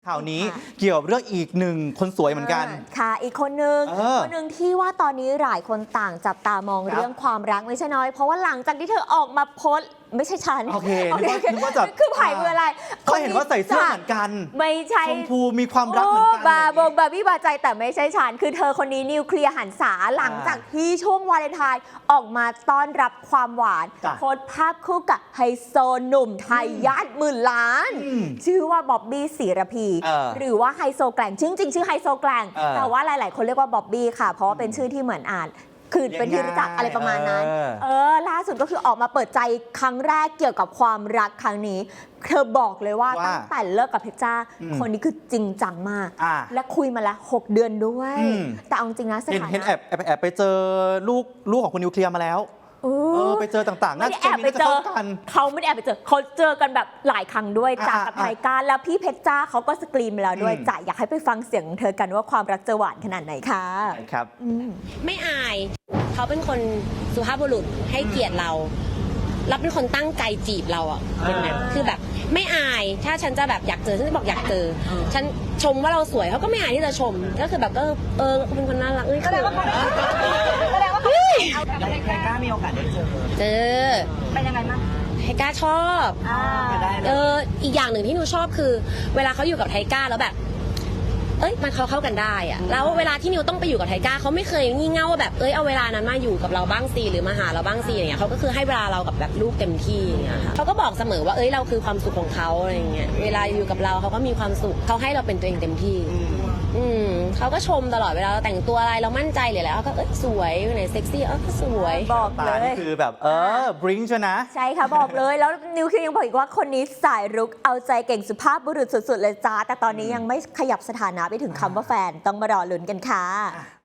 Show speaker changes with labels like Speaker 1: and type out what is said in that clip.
Speaker 1: ข่าวนี้เกี่ยวกับเรื่องอีกหนึ่งคนสวยเหมือนกัน
Speaker 2: ค่ะอีกคนนึงที่ว่าตอนนี้หลายคนต่างจับตามองเรื่องความรักไม่ใช่น้อยเพราะว่าหลังจากที่เธอออกมาโพสต์ไม่ใช่ฉัน
Speaker 1: โอเคนึกว่าจะ
Speaker 2: คือผ่ายมืออะไร
Speaker 1: ก็เห็นว่าใส่เสื้อเหมือนกัน
Speaker 2: ไม่ใช่
Speaker 1: ชมพูมีความรักเหมือนกัน
Speaker 2: บาบี้บาใจแต่ไม่ใช่ฉันคือเธอคนนี้นิวเคลียร์หันษาหลังจากที่ช่วงวาเลนไทน์ออกมาต้อนรับความหวานโพสต์ภาพคู่กับไฮโซหนุ่มไทยญาติหมื่นล้านชื่อว่าบ๊อบบี้ศิรพีหรือว่าไฮโซแกล่งจริงชื่อไฮโซแกล่งแต่ว่าหลายๆคนเรียกว่าบ๊อบบี้ค่ะเพราะว่าเป็นชื่อที่เหมือนอ่านคือเป็นที่รู้จักอะไรประมาณนั้นล่าสุดก็คือออกมาเปิดใจครั้งแรกเกี่ยวกับความรักครั้งนี้เธอบอกเลยว่าตั้งแต่เลิกกับเพชรจ้าคนนี้คือจริงจังมากและคุยมาแล้ว6 เดือนด้วยแต่เอาจริงนะสถานะ
Speaker 1: เห็นแอบไปเจอลูกของคุณนิวเคลียร์มาแล้วไปเจอต่างๆน่าจะแอบไปเจอกัน
Speaker 2: เขาไม่ได้แอบไปเจอเขาเจอกันแบบหลายครั้งด้วยจากกับไทก้าแล้วพี่เพชรจ้าเขาก็สกรีนมาแล้วด้วยจ้ะอยากให้ไปฟังเสียงของเธอกันว่าความรักจะหวานขนาดไหนค่ะ
Speaker 1: ครับ
Speaker 3: ไม่อายเขาเป็นคนสุภาพบุรุษให้เกียรติเราแล้วเป็นคนตั้งใจจีบเราอ่ะเป็นแบบคือแบบไม่อายถ้าฉันจะแบบอยากเจอฉันจะบอกอยากเจอฉันชมว่าเราสวยเขาก็ไม่อายที่จะชมก็คือแบบเป็นคนน่ารัก
Speaker 4: แสดงว่าไทก้ามีโอกาสได้เจอเป็นยังไงบ้าง
Speaker 3: ไทก้าชอบอีกอย่างหนึ่งที่หนูชอบคือเวลาเขาอยู่กับไทก้าแล้วแบบมันเข้ากันได้อะแล้วเวลาที่นิวต้องไปอยู่กับไทก้าเขาไม่เคยงี่เง่าว่าแบบเอาเวลานั้นมาอยู่กับเราบ้างสิหรือมาหาเราบ้างสิอย่างเงี้ยเขาก็คือให้เวลาเรากับแบบลูกเต็มที่อย่างเงี้ยค่ะเขาก็บอกเสมอว่าเราคือความสุขของเขาอะไรอย่างเงี้ยเวลาอยู่กับเราเขาก็มีความสุขเขาให้เราเป็นตัวเองเต็มที่เขาก็ชมตลอดเวลาเราแต่งตัวอะไรเรามั่นใจเลยแล้วก็สวยไหนเซ็กซี่ก็สวย
Speaker 2: บอกเลย
Speaker 1: นี่คือแบบบริ้งใช่นะ
Speaker 2: ใช่ค่ะบอกเลยแล้วนิวเคลียร์ยังบอกอีกว่าคนนี้สายรุกเอาใจเก่งสุภาพบุรุษสุดๆเลยจ้าแต่ตอนนี้ยังไม่ขยับสถานะไปถึงคำว่าแฟนต้องมารอลุ้นกันค่ะ